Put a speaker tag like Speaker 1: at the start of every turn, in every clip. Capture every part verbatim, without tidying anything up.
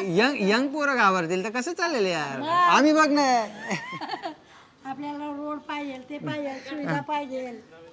Speaker 1: Young young पोरं घाबरतील तर कसं चालेल यार. आम्ही बघ ना
Speaker 2: आपल्याला रोड पाहिजे, ते पाहिजे, सुविधा पाहिजे.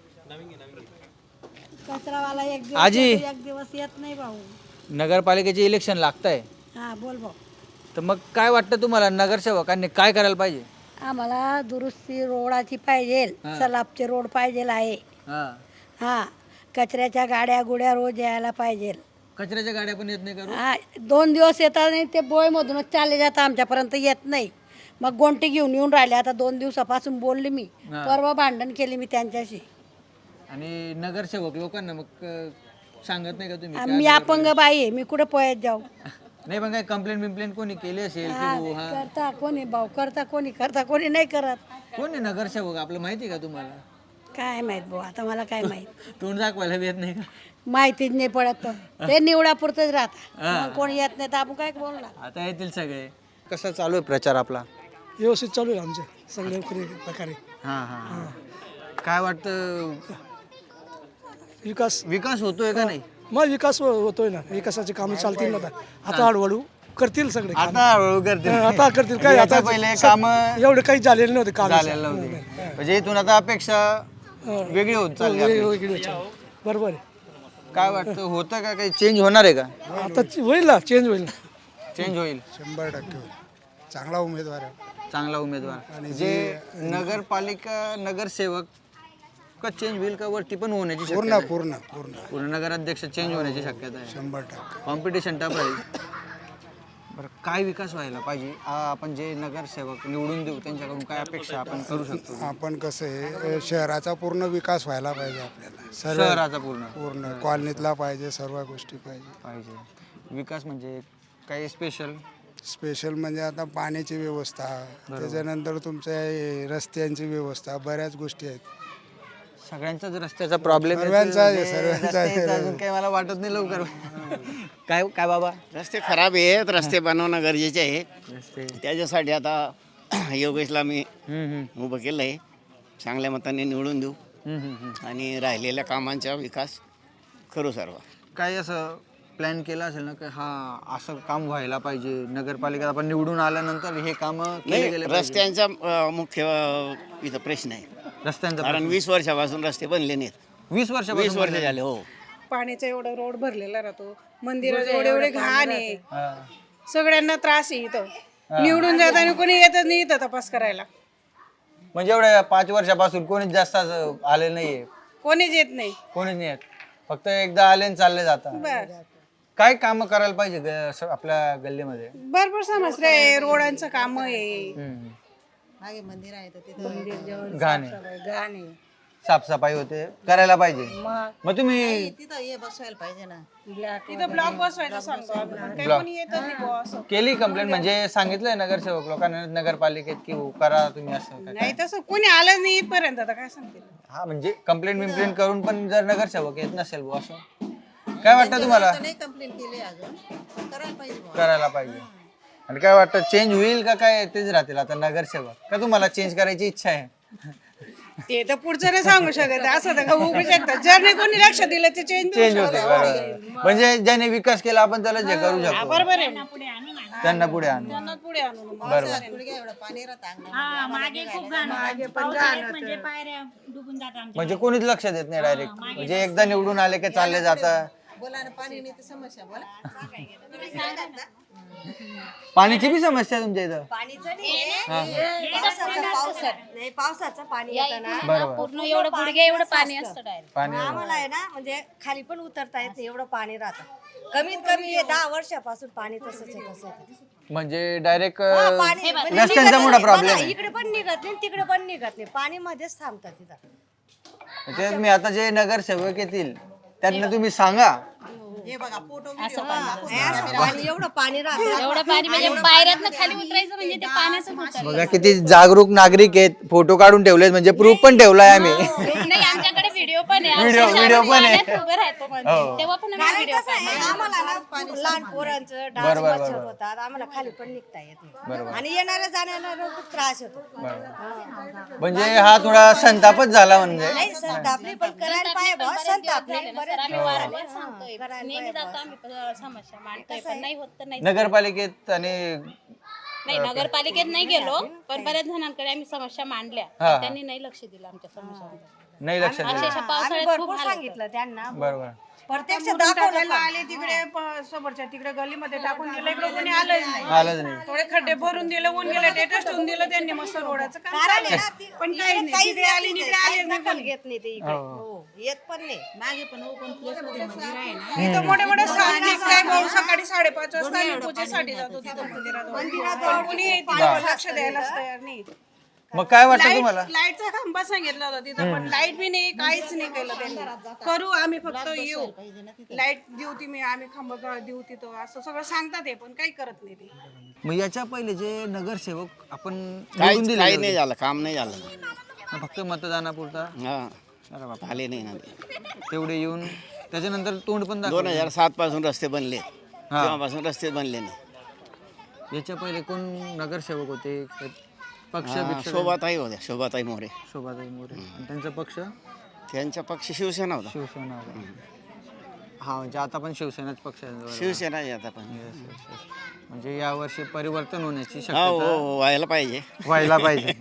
Speaker 2: कचरावाला एक दिवस
Speaker 1: आजी.
Speaker 2: येतो, एक दिवस येत नाही भाऊ.
Speaker 1: नगरपालिकेचे इलेक्शन लागतंय
Speaker 2: हा बोल भाऊ.
Speaker 1: तर मग काय वाटतं तुम्हाला नगरसेवकांनी काय करायला पाहिजे?
Speaker 2: आम्हाला दुरुस्ती रोडाची पाहिजे, सलाबचे रोड पाहिजे आहे.
Speaker 1: हा
Speaker 2: हा कचऱ्याच्या गाड्या गुड्या रोज यायला पाहिजे.
Speaker 1: कचऱ्याच्या गाड्या पण येत नाही का रोज?
Speaker 2: हा दोन दिवस येतात आणि ते बोयमधूनच चालले जातात, आमच्यापर्यंत येत नाही. मग गोंटी घेऊन येऊन राहिले. आता दोन दिवसापासून बोलले मी,
Speaker 1: हा.
Speaker 2: परवा भांडण केली मी त्यांच्याशी.
Speaker 1: आणि नगरसेवक लोकांना मग अं, सांगत नाही का तुम्ही?
Speaker 2: आ, मी अपंग बाई आहे, मी कुठं पोयात जाऊ?
Speaker 1: नाही पण काय कंप्लेंट बिम्प्लेंट कोणी केली असेल की
Speaker 2: हा,
Speaker 1: हो, हा
Speaker 2: करता कोणी भाऊ, करता कोणी, करता कोणी नाही करत.
Speaker 1: कोण आहे नगरसेवक आपलं माहिती का तुम्हाला?
Speaker 2: काय माहित भाऊ, आता मला काय माहित.
Speaker 1: तोंड दाखवायला बी येत नाही का?
Speaker 2: माहितीच नाही पडत. ते निवडापुरतच राहतात, मग कोणी येत नाही तर आपण काय बोलणार.
Speaker 1: आता येतील सगळे. कसा चालू आहे प्रचार आपला?
Speaker 3: व्यवस्थित चालू आहे आमचे सगळे प्रकारे.
Speaker 1: हां हां काय वाटतं
Speaker 3: विकास
Speaker 1: विकास होतोय का नाही?
Speaker 3: मग विकास होतोय ना, विकासाचे कामं चालतील ना. आता आता हळूहळू करतील सगळे कामं.
Speaker 1: आता हळूहळू करतील.
Speaker 3: हा, आता करतील. काय
Speaker 1: आता
Speaker 3: आता
Speaker 1: पहिले काम
Speaker 3: एवढे काही झालेले नव्हते काम.
Speaker 1: झालेलं नव्हते म्हणजे इथून आता अपेक्षा वेगळी होत चालली आपली.
Speaker 3: बरोबर आहे.
Speaker 1: काय वाटतं होतं का काही चेंज होणार आहे का?
Speaker 3: आता होईल ना, चेंज होईल ना.
Speaker 1: चेंज होईल.
Speaker 4: शंभर टक्के होईल. चांगला उमेदवार आहे.
Speaker 1: चांगला उमेदवार जे नगरपालिका नगरसेवक का चेंज होईल का वरती पण होण्याची
Speaker 4: पूर्ण
Speaker 1: शक्यता आहे?
Speaker 4: पूर्ण पूर्ण
Speaker 1: पूर्ण नगराध्यक्ष चेंज होण्याची शक्यता आहे.
Speaker 4: शंभर टक्के.
Speaker 1: कॉम्पिटिशन टफ राहील. बरं काय विकास व्हायला पाहिजे? आ, आपण जे नगरसेवक निवडून देऊ त्यांच्याकडून काय अपेक्षा आपण करू शकतो?
Speaker 4: आपण कसं आहे, शहराचा पूर्ण विकास व्हायला पाहिजे आपल्याला. सर्व
Speaker 1: शहराचा पूर्ण
Speaker 4: पूर्ण कॉलनीतला पाहिजे, सर्व गोष्टी पाहिजे.
Speaker 1: पाहिजे. विकास म्हणजे काही स्पेशल?
Speaker 4: स्पेशल म्हणजे आता पाण्याची व्यवस्था, त्याच्यानंतर तुमच्या हे रस्त्यांची व्यवस्था, बऱ्याच गोष्टी आहेत.
Speaker 1: सगळ्यांचाच रस्त्याचा प्रॉब्लेम
Speaker 4: सर्वांचा आहे, सर्वांचा आहे.
Speaker 1: अजून काही मला वाटत नाही लवकर. काय काय बाबा?
Speaker 5: रस्ते खराब आहेत, रस्ते बनवणं गरजेचे आहे.
Speaker 1: रस्ते
Speaker 5: त्याच्यासाठी आता योगेशला मी
Speaker 1: हम्म, हम्म,
Speaker 5: उभं केलं आहे. चांगल्या मताने निवडून देऊ
Speaker 1: हम्म, हम्म, हम्म.
Speaker 5: आणि राहिलेल्या कामांचा विकास करू सर्व.
Speaker 1: काही असं प्लॅन केला असेल ना की हा असं काम व्हायला पाहिजे नगरपालिकेत आपण निवडून आल्यानंतर हे काम केले
Speaker 5: नाही,
Speaker 1: गेले पाहिजे?
Speaker 5: रस्त्यांचा अं, मुख्य अं, इथं प्रश्न आहे.
Speaker 1: रस्त्यांचा
Speaker 5: कारण वीस वर्षापासून रस्ते बनले नाहीत.
Speaker 1: वीस
Speaker 5: वीस
Speaker 1: वर्षापासून
Speaker 5: वर्ष झाले. हो.
Speaker 6: पाण्याचा एवढा रोड भरलेला राहतो, मंदिरात एवढे एवढे घाण आहे, सगळ्यांना त्रास आहे इथं. निवडून जाताना कोणी येतच नाही इथं तपास करायला,
Speaker 1: म्हणजे एवढ्या पाच वर्षापासून कोणीच जास्त असं आले नाहीये?
Speaker 6: कोणीच येत नाही.
Speaker 1: कोणीच नाही येत, फक्त एकदा आले आणि चालले जातात.
Speaker 6: बस
Speaker 1: काय काम करायला पाहिजे ग- असं आपल्या गल्लीमध्ये?
Speaker 6: भरपूर समस्या आहे, रोडांचं काम आहे.
Speaker 1: हम्म.
Speaker 2: मागे मंदिर आहे तर तिथं
Speaker 1: घाण आहे.
Speaker 2: गाणे
Speaker 1: साफसफाई होते, करायला पाहिजे. मग तुम्ही
Speaker 2: तिथं हे बसवायला पाहिजे ना.
Speaker 6: तिथं ब्लॉक बसवायचं सांगतो आम्ही, पण काही कोणी येतच नाही बुवा असं.
Speaker 1: केली कंप्लेंट म्हणजे सांगितलंय नगरसेवक लोकांना नगरपालिकेत की हो करा तुम्ही असं काय?
Speaker 6: नाही तसं कोणी आलंच नाही इथपर्यंत, आता काय सांगतील.
Speaker 1: हा म्हणजे कंप्लेंट बिम्प्लेंट करून पण जर नगरसेवक येत नसेल बुवा असं काय वाटतं तुम्हाला?
Speaker 2: कंप्लेंट केली अजून, करायला पाहिजे.
Speaker 1: करायला पाहिजे. आणि काय वाटतं चेंज होईल का काय तेच राहतील आता नगरसेवक? का तुम्हाला चेंज करायची इच्छा आहे?
Speaker 6: ते तर पुढचं नाही सांगू शकत, असं तर होऊ शकतात. जर नाही कोणी लक्ष दिलं ते चेंज
Speaker 1: चेंज होते बरोबर. म्हणजे ज्याने विकास केला आपण त्याला जे करू शकतो
Speaker 6: बरोबर आहे.
Speaker 1: त्यांना पुढे आणू.
Speaker 6: त्यांना पुढे आणू.
Speaker 1: बरोबर. म्हणजे कोणीच लक्ष देत नाही डायरेक्ट, म्हणजे एकदा निवडून आले की चालले जातात. पाण्याची बी समस्या आहे तुमच्या इथं?
Speaker 7: पावसाचं पाणी येतं ना,
Speaker 1: बरोबर.
Speaker 7: पूर्ण एवढं गुडघे एवढं पाणी असतं डायरेक्ट.
Speaker 1: पाणी
Speaker 7: आम्हाला आहे ना, म्हणजे खाली पण उतरता येत नाही, एवढं पाणी राहतं. कमीत कमी हे दहा वर्षापासून पाणी तसंच आहे तसं आहे.
Speaker 1: म्हणजे डायरेक्ट
Speaker 7: हा, पाणी म्हणजे
Speaker 1: रस्त्यांचा
Speaker 7: निघतच
Speaker 1: मोठा
Speaker 7: नाही.
Speaker 1: प्रॉब्लेम
Speaker 7: बघा,
Speaker 1: आहे.
Speaker 7: इकडे पण निघत नाही तिकडे पण निघत नाही, पाणी मध्येच थांबतात तिथं.
Speaker 1: ते मी आता जे नगरसेवक येतील त्यांना तुम्ही सांगा
Speaker 7: पाणी एवढं पाणी राहतं.
Speaker 8: एवढं पाणी म्हणजे पायऱ्यातनं खाली उतरायचं म्हणजे ते पाण्याचं होतं.
Speaker 1: बघा किती जागरूक नागरिक आहेत, फोटो काढून ठेवलेत म्हणजे प्रूफ पण ठेवलाय आम्ही.
Speaker 8: नाही आमच्याकडे व्हिडिओ पण पण आहे.
Speaker 1: व्हिडिओ
Speaker 8: अक्षरशः
Speaker 1: व्हिडिओ
Speaker 8: आम्ही
Speaker 1: पण आहे.
Speaker 8: पाण्यात उभे राहतो म्हणजे.
Speaker 1: हो.
Speaker 8: तेव्हा पण आम्ही
Speaker 7: कारण
Speaker 8: व्हिडिओ
Speaker 7: कसं आहे, आम्हाला ना लहान पोरांचं डास
Speaker 1: बरोबर,
Speaker 7: मच्छर
Speaker 1: बरोबर.
Speaker 7: होतात, आम्हाला खाली पण निघता येत
Speaker 1: बरोबर.
Speaker 7: नाही आणि येणाऱ्या जाणाऱ्यांना खूप त्रास होतो.
Speaker 1: म्हणजे हा थोडा संतापच झाला म्हणजे.
Speaker 7: नाही संतापली पण करायला पाहिजे बा, संतापली
Speaker 8: सर
Speaker 7: बरेच
Speaker 8: आम्ही
Speaker 7: दिवस
Speaker 8: वारंवार
Speaker 7: झाले.
Speaker 8: सांगतोय
Speaker 7: करायला
Speaker 8: नेहमी
Speaker 7: पाहिजे
Speaker 8: जातो
Speaker 7: बा.
Speaker 8: आम्ही प- समस्या मांडतोय पण नाही होत तर नाही.
Speaker 1: नगरपालिकेत आणि
Speaker 8: नाही नगरपालिकेत नाही गेलो पण बऱ्याच जणांकडे आम्ही समस्या मांडल्या
Speaker 1: हा.
Speaker 8: पण त्यांनी नाही लक्ष दिलं आमच्या समस्यांकडे.
Speaker 1: नाही लक्षात दिलं.
Speaker 8: अक्षरशः
Speaker 7: आम्ही
Speaker 8: पावसाळ्यात खूप
Speaker 7: भरपूर
Speaker 8: हाल होतात.
Speaker 7: सांगितलं त्यांना
Speaker 1: बरोबर.
Speaker 7: प्रत्यक्ष
Speaker 6: मुरुम
Speaker 7: दाखवलं
Speaker 6: टाकायला
Speaker 7: पण.
Speaker 6: आले तिकडे प- समोरच्या तिकडे गल्लीमध्ये टाकून दिलं, इकडे कोणी आलंच नाही.
Speaker 1: आलंच नाही.
Speaker 6: थोडे खड्डे भरून दिले, ऊन गेले, टेटस ठेवून दिलं त्यांनी मस्त रोडाचं काम
Speaker 7: कारण
Speaker 6: चालू
Speaker 7: आहे ना,
Speaker 6: आहे.
Speaker 7: ती-
Speaker 6: पण
Speaker 7: इकडे
Speaker 6: काही नाही,
Speaker 7: काहीच
Speaker 6: तिकडे आले
Speaker 7: येत
Speaker 6: इकडे
Speaker 7: नाही,
Speaker 6: आले
Speaker 7: काहीच
Speaker 6: नाही
Speaker 7: दखल
Speaker 6: कोणी.
Speaker 7: घेत नाही ते इकडे हो येत पण नाही.
Speaker 6: इथं मोठे मोठे स्थानिक काय भाऊ सकाळी साडेपाच वाजता आम्ही पूजेसाठी जातो तिथं मंदिरात. पण कोणी तिथं लक्ष द्यायलाच तयार नाही.
Speaker 1: मग काय वाटतं तुम्हाला?
Speaker 6: लाईट लाईटचा खांबा सांगितला होता तिथं, पण लाईट बी नाही, काहीच नाही केलं त्यांनी. करू आम्ही फक्त येऊ, लाईट देऊ ती मी आम्ही खांबा देऊ तिथं असं सगळं सांगतात हे, पण काही करत नाही ते.
Speaker 1: मग याच्या पहिले जे नगरसेवक आपण निवडून
Speaker 5: काही
Speaker 1: दिले
Speaker 5: काही नाही झालं, काम नाही झालं.
Speaker 1: फक्त मतदानापुरता
Speaker 5: हा
Speaker 1: अरे बाप,
Speaker 5: आले नाही ना ते.
Speaker 1: तेवढे येऊन त्याच्यानंतर तोंड पण
Speaker 5: दोन
Speaker 1: दाखवलं.
Speaker 5: हजार सात पासून रस्ते बनले, तेव्हापासून रस्ते बनले नाही.
Speaker 1: याच्या पहिले कोण नगरसेवक होते? पक्ष
Speaker 5: हा,
Speaker 1: बिक्ष
Speaker 5: शोभाताई होत्या, शोभाताई मोरे.
Speaker 1: शोभाताई मोरे आणि त्यांचा पक्ष
Speaker 5: त्यांचा पक्ष शिवसेना होता.
Speaker 1: शिवसेना होता. हा म्हणजे आता पण शिवसेनाच पक्ष आहे. बरोबर.
Speaker 5: शिवसेना आहे आता पण.
Speaker 1: Yes, yes, yes. म्हणजे यावर्षी परिवर्तन होण्याची
Speaker 5: हो
Speaker 1: शक्यता
Speaker 5: हो, व्हायला पाहिजे.
Speaker 1: व्हायला पाहिजे.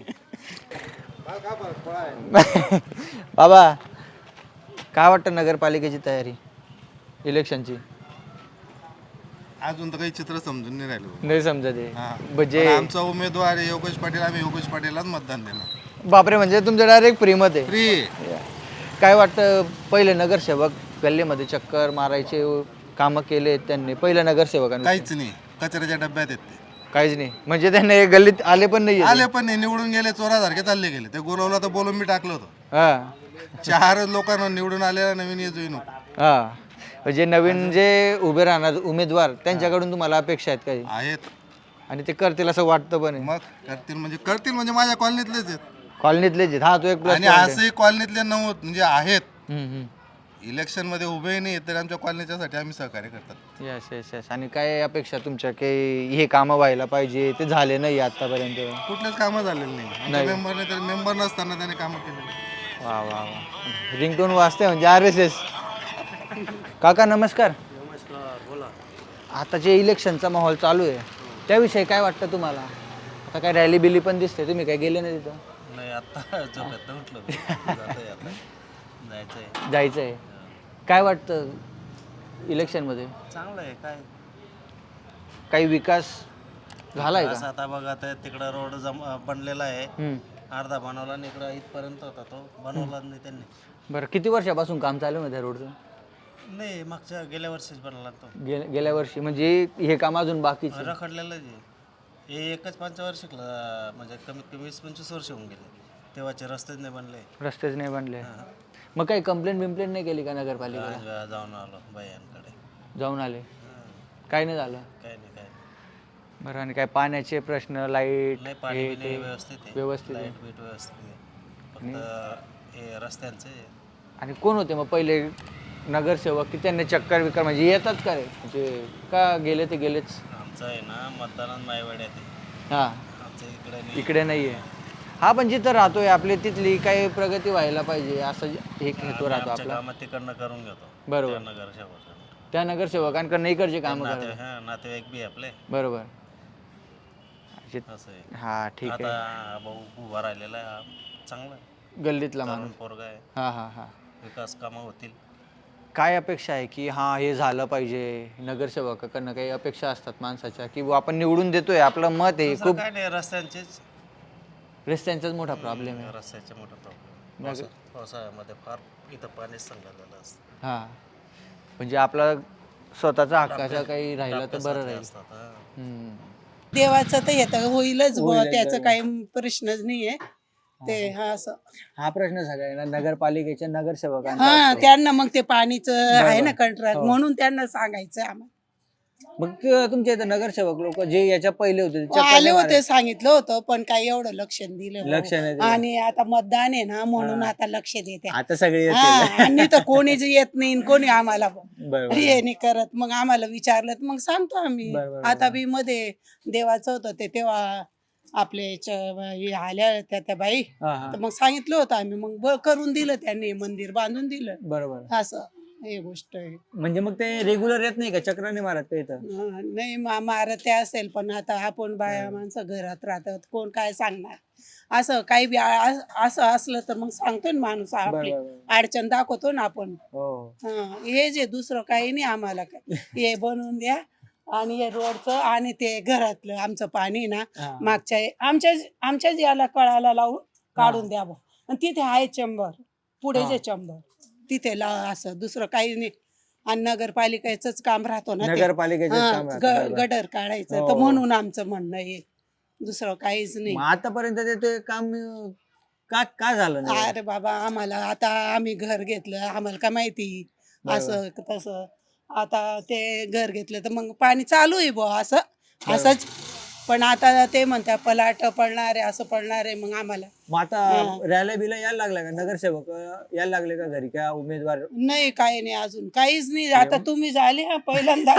Speaker 1: बाबा काय वाटतं नगरपालिकेची तयारी इलेक्शनची?
Speaker 9: अजून तर काही चित्र समजून नाही राहिलं.
Speaker 1: नाही समजत आहे.
Speaker 9: हा.
Speaker 1: म्हणजे
Speaker 9: पण आमचा उमेदवार आहे योगेश पाटील, आम्ही योगेश पाटीललाच मतदान देणार.
Speaker 1: बापरे, म्हणजे तुमचं डायरेक्ट फ्रीमत आहे.
Speaker 9: फ्री.
Speaker 1: काय वाटतं पहिले नगरसेवक गल्लीमध्ये चक्कर मारायचे कामं केले त्यांनी पहिल्या नगरसेवकांनी?
Speaker 9: काहीच नाही, कचऱ्याच्या डब्यात येत ते.
Speaker 1: काहीच नाही. म्हणजे त्यांनी गल्लीत आले पण नाही.
Speaker 9: आले पण नाही, निवडून गेले, चोरासारखे चालले गेले. ते गुरवला तर बोलून मी टाकलं होतं.
Speaker 1: हा
Speaker 9: चार लोकांना निवडून आलेला नवीन येतोय नको
Speaker 1: हा म्हणजे नवीन जे उभे राहणार उमेदवार त्यांच्याकडून तुम्हाला अपेक्षा आहेत काही?
Speaker 9: आहेत.
Speaker 1: आणि ते करतील असं वाटतं पण आहे.
Speaker 9: मग करतील म्हणजे करतील म्हणजे माझ्या कॉलनीतलेच आहेत.
Speaker 1: कॉलनीतलेच आहेत. हा तो एक प्लस
Speaker 9: आणि असंही कॉलनीतले नव्हत म्हणजे आहेत.
Speaker 1: हम्म
Speaker 9: इलेक्शन मध्ये उभे नाही तर आमच्या कॉलनीच्यासाठी आम्ही सहकार्य करतात.
Speaker 1: Yes yes yes. आणि काय अपेक्षा तुमच्या की हे कामं व्हायला पाहिजे ते झाले नाही आतापर्यंत?
Speaker 9: कुठलेच कामं झालेले नाही. आमच्या मेंबरने तर मेंबर नसताना त्याने कामं केलेली.
Speaker 1: वा वा वा. रिंगटोन वाजते म्हणजे आर एस एस. काका नमस्कार. आता जे इलेक्शनचा माहोल चालू आहे त्याविषयी काय वाटतं तुम्हाला? आता काय रॅली बिली पण दिसते, तुम्ही काय गेले नाही तिथं?
Speaker 10: नाही आता झोपेत उठलो मी. जातोय आता. जायचंय.
Speaker 1: जायचं आहे. काय वाटतं इलेक्शनमध्ये
Speaker 10: चांगलं आहे काय
Speaker 1: काही विकास झालाय
Speaker 10: असं
Speaker 1: का?
Speaker 10: आता बघा ते तिकडं रोड जम बनलेला आहे,
Speaker 1: हम्म.
Speaker 10: अर्धा बनवला आणि इकडं इथपर्यंत होता तो बनवला नाही त्यांनी.
Speaker 1: बरं किती वर्षापासून काम चालू आहे त्या रोडचं?
Speaker 10: नाही मागच्या गेल्या वर्षीच बनवला तो.
Speaker 1: गे गेल्या वर्षी म्हणजे हे काम अजून बाकीच आहे.
Speaker 10: रखडलेलं आहे हे एकच पंचवार्षिकला म्हणजे कमीत कमी वीस पंचवीस वर्ष होऊन गेले, तेव्हाचे रस्तेच नाही बनले.
Speaker 1: रस्तेच नाही बनले. मग काही कंप्लेंट बिम्प्लेंट नाही केली का नगरपालिकेला?
Speaker 10: बऱ्याच वेळा जाऊन आलो बायांकडे,
Speaker 1: जाऊन आले, काय नाही झालं?
Speaker 10: काही नाही काय नाही.
Speaker 1: बरं. आणि काय पाण्याचे प्रश्न, लाईट
Speaker 10: नाही पाणी बी नाही व्यवस्थित आहे,
Speaker 1: व्यवस्थित आहे.
Speaker 10: लाईट बीट व्यवस्थित आहे, फक्त हे रस्त्यांचे.
Speaker 1: आणि कोण होते मग पहिले नगरसेवक की त्यांनी चक्कर विकर म्हणजे येतात का रे? म्हणजे का गेले ते गेलेच?
Speaker 10: आमचं आहे ना मतदानात मायवाड्यात आहे,
Speaker 1: हां
Speaker 10: आमच्या इकडे नाही.
Speaker 1: इकडे नाही आहे. हा पण जिथं राहतोय आपली तिथली काही प्रगती व्हायला पाहिजे असं एक हेतू राहतो
Speaker 10: आमच्या
Speaker 1: आपला.
Speaker 10: कामात तिकडनं करून घेतो.
Speaker 1: बरोबर.
Speaker 10: त्या नगरसेवकाकडनं.
Speaker 1: त्या नगरसेवकांकडनं इकडचे कामं
Speaker 10: नाते
Speaker 1: करतात.
Speaker 10: हा नातेवाईक बी आपले.
Speaker 1: बरोबर. जे-
Speaker 10: असं आहे.
Speaker 1: हा ठीक आहे.
Speaker 10: आता भाऊ उभा राहिलेला आहे, हा चांगला आहे,
Speaker 1: गल्लीतला
Speaker 10: तरुण
Speaker 1: माणूस.
Speaker 10: पोरगा आहे,
Speaker 1: हा हा हा.
Speaker 10: विकास कामं होतील.
Speaker 1: काय अपेक्षा आहे की हा हे झालं पाहिजे? नगरसेवकाकडनं काही अपेक्षा असतात माणसाच्या की बुवा आपण निवडून देतोय आपलं मत आहे
Speaker 10: तसं
Speaker 1: खूप.
Speaker 10: काय नाही, रस्त्यांचेच
Speaker 1: रस्त्यांचाच मोठा प्रॉब्लेम आहे.
Speaker 10: रस्त्याचे मोठा प्रॉब्लेम. पावसा- पावसाळ्यामध्ये फार इथं पाणीच संघालेलं असतं.
Speaker 1: हा म्हणजे आपला स्वतःचा हक्काचा काही राहिला तर बरं
Speaker 10: सारखे
Speaker 1: राहील.
Speaker 10: असतात, हा.
Speaker 1: हम्म.
Speaker 6: देवाचं तर येतं होईलच बुवा,
Speaker 1: होईलच,
Speaker 6: त्याचं
Speaker 1: बरोबर.
Speaker 6: काही प्रश्नच नाहीये ते. हा असं
Speaker 1: हा प्रश्न सगळ्यांना नगरपालिकेच्या नगरसेवकांचा
Speaker 6: हा
Speaker 1: असतो.
Speaker 6: त्यांना मग ते पाणीचं आहे ना कंत्राट,
Speaker 1: हो.
Speaker 6: म्हणून त्यांना सांगायचं आम्हाला
Speaker 1: मग ते तुमच्या इथं नगरसेवक लोक जे याच्या पहिले होते ते चक्कर
Speaker 6: आले
Speaker 1: नाही
Speaker 6: होते, सांगितलं होतं, पण काही एवढं लक्ष नाही दिलं
Speaker 1: लक्ष नाही दिलं.
Speaker 6: आणि आता मतदान आहे ना म्हणून आता लक्ष देते.
Speaker 1: मारत. आता सगळे येतील.
Speaker 6: हा, आणि तर कोणीच येत नाही आणि कोणी आम्हाला
Speaker 1: बरोबर.
Speaker 6: हे नाही करत. मग आम्हाला विचारलं तर मग सांगतो आम्ही.
Speaker 1: बरोबर,
Speaker 6: आता बी मध्ये देवाचं होतं ते तेव्हा आपले च- हे आल्या त्या त्या बाई,
Speaker 1: हा हा
Speaker 6: तर मग सांगितलं होतं आम्ही, मग ब- करून दिलं त्यांनी, मंदिर बांधून दिलं.
Speaker 1: बरोबर.
Speaker 6: असं हे गोष्ट आहे.
Speaker 1: म्हणजे मग ते रेग्युलर येत नाही का चक्राने मारत का इथं?
Speaker 6: हा, नाही मा- मारत ते असेल, पण आता आपण बाया माणसं घरात राहतात, कोण काय सांगणार. असं काही बी आ- आ- असं असलं तर मग सांगतो ना माणूस, आपली
Speaker 1: बरोबर.
Speaker 6: अडचण दाखवतो ना आपण.
Speaker 1: हो
Speaker 6: हा, हे जे दुसरं काही नाही आम्हाला काय. हे बनवून द्या आणि हे रोडचं आणि ते घरातलं आमचं पाणी ना
Speaker 1: हा.
Speaker 6: मागच्या आमच्या आमच्याच याला कळाला लावून काढून द्यावं. आणि तिथे आहे चंबर, पुढे जे चंबर तिथे ला असं दुसरं काही नाही. आणि नगरपालिकेचंच काम राहतो ना ते.
Speaker 1: नगरपालिकेचं
Speaker 6: हा,
Speaker 1: काम राहतं,
Speaker 6: ग-
Speaker 1: बरोबर.
Speaker 6: गटर काढायचं,
Speaker 1: हो.
Speaker 6: तर म्हणून आमचं म्हणणं आहे, दुसरं काहीच नाही.
Speaker 1: मग आतापर्यंत ते- ते काम अं, का का झालं नाही?
Speaker 6: अरे बाबा, आम्हाला आता आम्ही घर घेतलं, आम्हाला काय माहिती असं तसं. आता ते घर घेतलं तर मग पाणी चालू आहे बुवा असं असंच. पण आता ते म्हणतात पलाट पडणार आहे, असं पडणार आहे. मग आम्हाला
Speaker 1: मग आता रॅल्या बिला यायला लागला का नगरसेवक अं, यायला लागले का घरी का उमेदवार?
Speaker 6: नाही, काही नाही, अजून काहीच नाही. आता तुम्ही झाले हा पहिल्यांदा.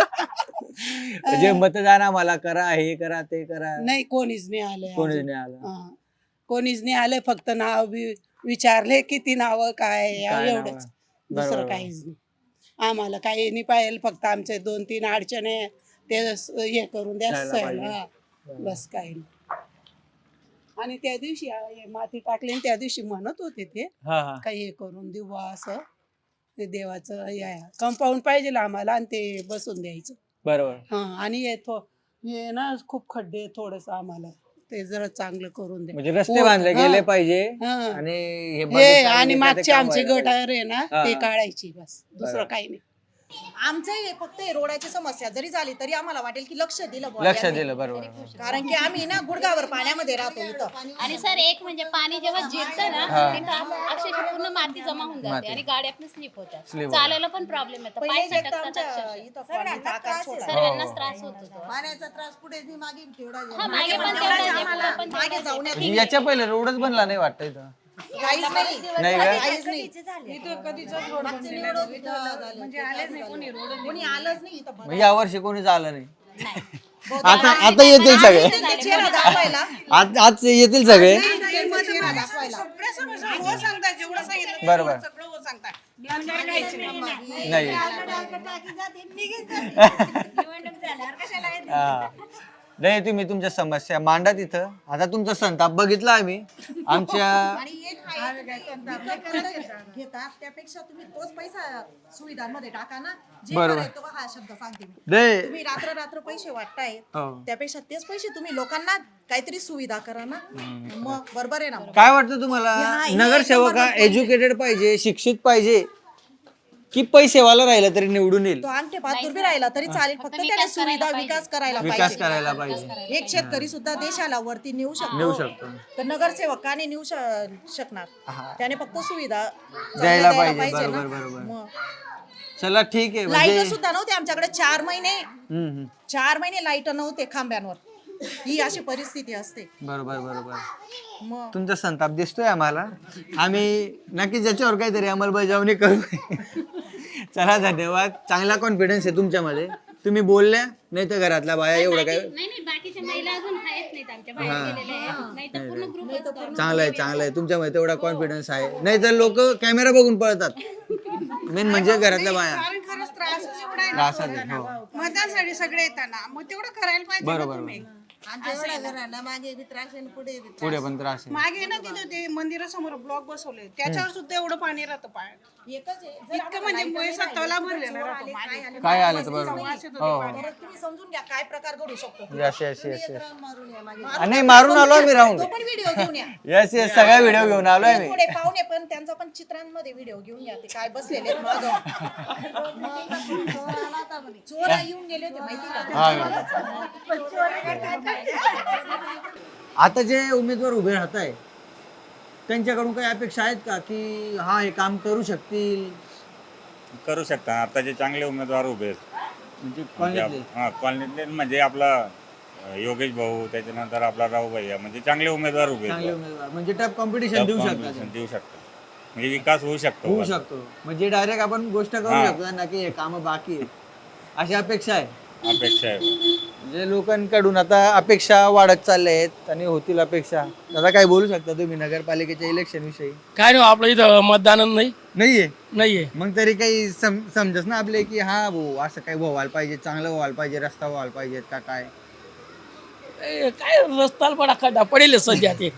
Speaker 1: जे मतदान आम्हाला करा, हे करा, ते करा,
Speaker 6: नाही, कोणीच नाही आलं
Speaker 1: कोणीच
Speaker 6: अजून.
Speaker 1: नाही आलं.
Speaker 6: हा. कोणीच नाही आले, फक्त नाव बी विचारले, किती नावं काय
Speaker 1: काय
Speaker 6: एवढंच,
Speaker 1: नावं?
Speaker 6: दुसरं
Speaker 1: बरोबर.
Speaker 6: काहीच नाही. आम्हाला काही नाही पाहिजे, फक्त आमचे दोन तीन अडचणी ते स- हे करून द्या
Speaker 1: द्यायला
Speaker 6: सहल,
Speaker 1: पाहिजे.
Speaker 6: हा. बस काही नाही. आणि त्या दिवशी आ- हे माती टाकली आणि त्या दिवशी म्हणत होते ते
Speaker 1: हा हा
Speaker 6: काही हे करून देऊ बा असं. ते देवाचं कंपाऊंड पाहिजे आम्हाला आणि ते बसून द्यायचं.
Speaker 1: बरोबर.
Speaker 6: हा, आणि हे थो हे ना खूप खड्डे थोडस आम्हाला ते जरा चांगलं करून द्या.
Speaker 1: म्हणजे रस्ते
Speaker 6: हो,
Speaker 1: बांधले
Speaker 6: हा.
Speaker 1: गेले पाहिजे
Speaker 6: हा.
Speaker 1: आणि हे
Speaker 6: हे
Speaker 1: बगीचा
Speaker 6: आणि
Speaker 1: वगैरे
Speaker 6: मागचे
Speaker 1: ते काम
Speaker 6: आमचे
Speaker 1: व्हायला
Speaker 6: गटार आहे ना
Speaker 1: हा.
Speaker 6: ते काढायची, बस दुसरं
Speaker 1: बरोबर.
Speaker 6: काही नाही.
Speaker 7: आमचं हे फक्त हे रोडाची समस्या जरी झाली तरी आम्हाला वाटेल की लक्ष दिलं बुवा
Speaker 1: लक्ष
Speaker 7: यांनी.
Speaker 1: दिलं. बरोबर.
Speaker 7: कारण की आम्ही ना गुडघावर पाण्यामध्ये राहतो इथं.
Speaker 8: आणि सर एक म्हणजे पाणी जेव्हा जिरतं ना तिथं अक्षरशः पूर्ण माती जमा होऊन जाते आणि गाड्या पण स्लिप होतात.
Speaker 1: Slip
Speaker 8: चालायला पण प्रॉब्लेम येतो, पाय
Speaker 7: पहिले जे
Speaker 8: सटकतात
Speaker 7: आमच्या
Speaker 8: अक्षरशः.
Speaker 7: इथं पाण्याचा आकार छोटा.
Speaker 8: सर्वांनाच त्रास होत होता.
Speaker 7: पाण्याचा त्रास पुढे बी मागे बी तेवढा
Speaker 8: हा, मागे पण
Speaker 7: तेवढाच
Speaker 8: तेवढाच आहे,
Speaker 7: आम्हाला
Speaker 8: पुढं पण
Speaker 7: मागे
Speaker 8: तेवढाच
Speaker 7: जाऊन
Speaker 1: म्हणजे याच्या पहिले रोडच बनला नाही वाटतं इथं.
Speaker 7: काहीच नाही.
Speaker 1: नाही का?
Speaker 7: काहीच नाही.
Speaker 6: इथं कधीच रोड
Speaker 7: मागचे निवड होती तर
Speaker 6: म्हणजे आलेच नाही कोणी रोड.
Speaker 7: कोणी आलंच नाही इथं.
Speaker 1: मग या वर्षी कोणीच आलं नाही.
Speaker 8: नाही.
Speaker 1: आता आता येतील सगळे.
Speaker 7: ते चेहरा दाखवायला
Speaker 1: आज आज येतील सगळे.
Speaker 6: सगळ्या समस्या हो सांगतात, जेवढं सांगितलं
Speaker 1: बरोबर.
Speaker 6: सगळं हो सांगतात. नंतर काहीच नाही.
Speaker 1: नाही हा. नाही, तुम्ही तुमच्या समस्या मांडा तिथं. आता तुमचा संताप बघितला आम्ही आमच्या.
Speaker 7: आणि एक आहे, तुम्ही घेता त्यापेक्षा तुम्ही तोच पैसा सुविधांमध्ये टाका ना. जे
Speaker 1: बरोबर.
Speaker 7: करायचं तो हा शब्द सांगते मी.
Speaker 1: नाही.
Speaker 7: तुम्ही रात्र रात्र पैसे वाटताय,
Speaker 1: हो.
Speaker 7: त्यापेक्षा तेच पैसे तुम्ही लोकांना काहीतरी सुविधा करा ना. मग बरोबर आहे ना. मग.
Speaker 1: काय वाटतं तुम्हाला,
Speaker 7: हा, हे
Speaker 1: नगरसेवक हा
Speaker 7: एकदम
Speaker 1: एज्युकेटेड पाहिजे, शिक्षित पाहिजे, की पैसेवाला राहिला तरी निवडून येईल?
Speaker 7: तो अंगठे पाच बी राहिला तरी चालेल, फक्त त्याने सुविधा विकास करायला
Speaker 1: विकास
Speaker 7: पाहिजे.
Speaker 1: करायला पाहिजे.
Speaker 7: एक शेतकरी सुद्धा देशाला वरती नेऊ
Speaker 1: नेऊ
Speaker 7: शकतो.
Speaker 1: शकतो.
Speaker 7: तर नगरसेवक का नाही नेऊ श- शकणार? त्याने फक्त सुविधा चांगल्या
Speaker 1: द्यायला
Speaker 7: द्यायला
Speaker 1: पाहिजे.
Speaker 7: ना.
Speaker 1: बरोबर बरोबर.
Speaker 7: मग.
Speaker 1: चला ठीक आहे.
Speaker 7: लाईट
Speaker 1: म्हणजे
Speaker 7: सुद्धा नव्हते आमच्याकडे चार महिने
Speaker 1: हम्म, हम्म.
Speaker 7: चार महिने लाईट नव्हते खांब्यांवर. ही अशी परिस्थिती असते.
Speaker 1: बरोबर बरोबर.
Speaker 7: मग
Speaker 1: तुमचा संताप दिसतोय आम्हाला. आम्ही नक्कीच याच्यावर काहीतरी अंमलबजावणी करू. चला, धन्यवाद. चांगला कॉन्फिडन्स आहे तुमच्यामध्ये. तुम्ही बोलल्या, नाही तर घरातल्या बाया एवढं काय.
Speaker 8: नाही नाही, बाकीच्या महिला अजून आहेत नाहीत आमच्या बाहेर गेलेल्या आहेत. नाही तर पूर्ण ग्रुप
Speaker 1: चांगलं आहे, चांगलं आहे. तुमच्यामध्ये तेवढा कॉन्फिडन्स आहे. नाही तर लोक कॅमेरा बघून पळतात. मेन म्हणजे घरातल्या बाया.
Speaker 6: कारण खरंच त्रास एवढा आहे ना.
Speaker 1: त्रासात आहे. हो.
Speaker 6: मतदानासाठी सगळे येताना मग तेवढं करायला पाहिजे ना
Speaker 1: बरोबर
Speaker 6: तुम्ही.
Speaker 7: मागे बी त्रास आहे पुढे बी
Speaker 1: पुढे पण त्रास आहे.
Speaker 6: मागे ना तिथं ते मंदिरासमोर ब्लॉक बसवले, त्याच्यावर सुद्धा एवढं पाणी राहतं पाय.
Speaker 7: एकच आहे. जर
Speaker 6: इतकं म्हणजे मुळेसा तला भरलेला राहतो मागे.
Speaker 1: काय आलं तर बरोबर.
Speaker 6: वास येतो
Speaker 1: हो
Speaker 6: ते
Speaker 1: हो.
Speaker 7: परत तुम्ही समजून घ्या काय प्रकार घडू शकतो.
Speaker 1: Yes yes yes yes.
Speaker 7: मारून या मागे.
Speaker 1: नाही, मारून आलो आम्ही राहून.
Speaker 7: तो पण व्हिडिओ घेऊन या.
Speaker 1: येस येस, सगळा व्हिडिओ घेऊन आलोय मी.
Speaker 7: थोडे पाहुणे पण त्यांचा पण चित्रांमध्ये व्हिडिओ घेऊन या. ते काय बसलेले आहेत मागं. चोर येऊन गेले होते माहिती का?
Speaker 1: आता जे उमेदवार उभे राहत आहे त्यांच्याकडून काही अपेक्षा आहेत का, की हा हे काम करू शकतील?
Speaker 11: करू शकता. आता जे चांगले उमेदवार उभे आहेत
Speaker 1: म्हणजे कॉलनीतले
Speaker 11: हा कॉलनीतले म्हणजे आपला अं, योगेश भाऊ त्याच्यानंतर आपला राव भैया म्हणजे चांगले उमेदवार उभे आहेत.
Speaker 1: चांगले उमेदवार म्हणजे टफ कॉम्पिटिशन देऊ शकतात
Speaker 11: Competition देऊ शकतात म्हणजे विकास होऊ शकतो
Speaker 1: होऊ शकतो म्हणजे डायरेक्ट आपण गोष्ट करू
Speaker 11: हा.
Speaker 1: शकतो ना की हे कामं बाकी आहे अशी अपेक्षा आहे.
Speaker 11: अपेक्षा आहे.
Speaker 1: म्हणजे लोकांकडून आता अपेक्षा वाढत चालल्या आहेत आणि होतील अपेक्षा. आता काय बोलू शकता तुम्ही नगरपालिकेच्या इलेक्शन विषयी?
Speaker 3: काय नाही आपलं इथं मतदान नाही
Speaker 1: नाहीये
Speaker 3: नाहीये
Speaker 1: मग तरी काही सम समजस ना आपले की हा भाऊ असं काही व्हायला पाहिजे, चांगलं व्हायला पाहिजे, रस्ता व्हायला पाहिजे का काय?
Speaker 3: ए, काय रस्ता पडा खड्डा पडेल सध्या ते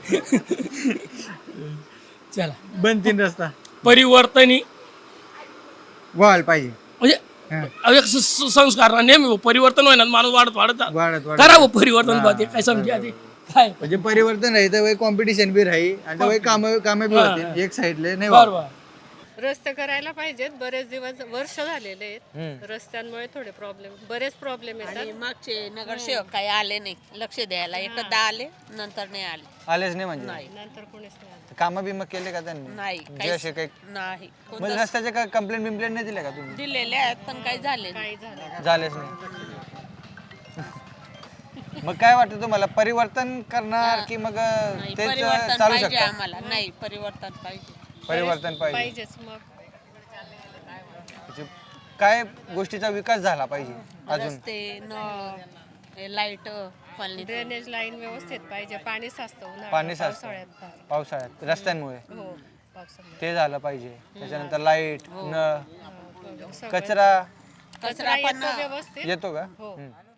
Speaker 3: चला
Speaker 1: बनतीन रस्ता
Speaker 3: परिवर्तनी
Speaker 1: व्हायला पाहिजे.
Speaker 3: म्हणजे
Speaker 1: हा.
Speaker 3: अहो, एक स- स- संस्कार ना नेहमी परिवर्तन होईना माणूस वाढत वाढत जातो.
Speaker 1: वाढत वाढत
Speaker 3: करा हो परिवर्तन बा ते काय समजा ते काय
Speaker 1: म्हणजे परिवर्तन राहील तर कॉम्पिटिशन बी राहील आणि तर काम कामे बी
Speaker 3: हा,
Speaker 1: होतील.
Speaker 3: हा.
Speaker 1: एक साईडले नाही व्हावं.
Speaker 3: बरोबर
Speaker 12: रस्ते करायला पाहिजेत. बरेच दिवस वर्ष झालेले आहेत रस्त्यांमुळे थोडे प्रॉब्लेम बरेच प्रॉब्लेम येतात.
Speaker 2: मागचे नगरसेवक काही आले नाही लक्ष द्यायला एकदा आले नंतर नाही आले
Speaker 1: आलेच नाही म्हणजे
Speaker 12: नंतर कोणीच नाही आलं.
Speaker 1: कामं बिमं केले का त्यांनी?
Speaker 2: नाही
Speaker 1: जे असे काही
Speaker 2: नाही
Speaker 1: म्हणजे रस्त्याचे काय कंप्लेंट बिम्प्लेंट नाही दिले का तुम्ही?
Speaker 2: दिलेले आहेत पण काही झाले
Speaker 12: काही झालं
Speaker 1: झालेच नाही. मग काय वाटतं तुम्हाला परिवर्तन करणार की मग तेच
Speaker 2: परिवर्तन
Speaker 1: चालू
Speaker 2: पाहिजे
Speaker 1: शकतं?
Speaker 2: आम्हाला नाही परिवर्तन पाहिजे
Speaker 1: परिवर्तन पाहिजे.
Speaker 12: पाहिजेच मग.
Speaker 1: म्हणजे काय गोष्टीचा विकास झाला पाहिजे अजून?
Speaker 2: रस्ते नळ लाईट कॉलनी
Speaker 12: ड्रेनेज लाईन व्यवस्थित पाहिजे. पाणी साचतं उन्हाळ्यात,
Speaker 1: पाणी साचतं.
Speaker 12: पावसाळ्यात.
Speaker 1: पावसाळ्यात रस्त्यांमुळे
Speaker 12: हो पावसाळ्यात.
Speaker 1: ते झालं पाहिजे. त्याच्यानंतर लाईट, नळ,
Speaker 12: सगळं-
Speaker 1: कचरा
Speaker 12: कचरा येतो व्यवस्थित.
Speaker 1: येतो का?
Speaker 12: हो.
Speaker 1: हम्म.